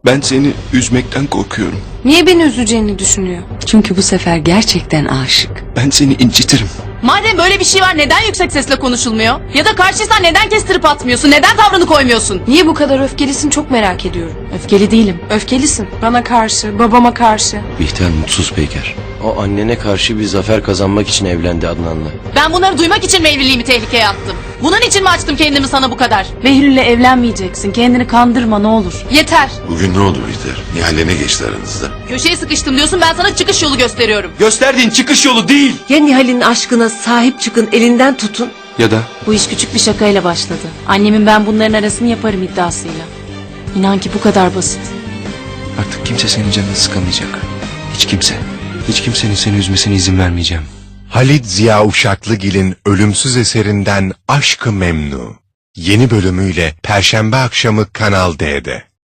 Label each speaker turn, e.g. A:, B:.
A: Ben seni üzmekten korkuyorum.
B: Niye beni üzeceğini düşünüyor?
C: Çünkü bu sefer gerçekten aşık.
A: Ben seni incitirim.
D: Madem böyle bir şey var neden yüksek sesle konuşulmuyor? Ya da karşıysan neden kestirip atmıyorsun? Neden tavrını koymuyorsun?
B: Niye bu kadar öfkelisin çok merak ediyorum.
D: Öfkeli değilim.
B: Öfkelisin. Bana karşı, babama karşı.
E: Bihter mutsuz Peyker. O annene karşı bir zafer kazanmak için evlendi Adnan'la.
D: Ben bunları duymak için mi evliliğimi tehlikeye attım? Bunun için mi açtım kendimi sana bu kadar?
F: Behlül'le evlenmeyeceksin. Kendini kandırma ne olur.
D: Yeter.
G: Bugün ne oldu Bihter? Nihal'le ne geçti aranızda?
D: Köşeye sıkıştım diyorsun, ben sana çıkış yolu gösteriyorum.
A: Gösterdiğin çıkış yolu değil.
C: Ya Nihal'in aşkına sahip çıkın, elinden tutun.
A: Ya da
F: Bu iş küçük bir şakayla başladı. Annemin ben bunların arasını yaparım iddiasıyla. İnan ki bu kadar basit.
A: artık kimse senin canını sıkamayacak. Hiç kimse. Hiç kimsenin seni üzmesine izin vermeyeceğim.
H: Halit Ziya Uşaklıgil'in ölümsüz eserinden Aşk-ı Memnu. Yeni bölümüyle Perşembe akşamı Kanal D'de.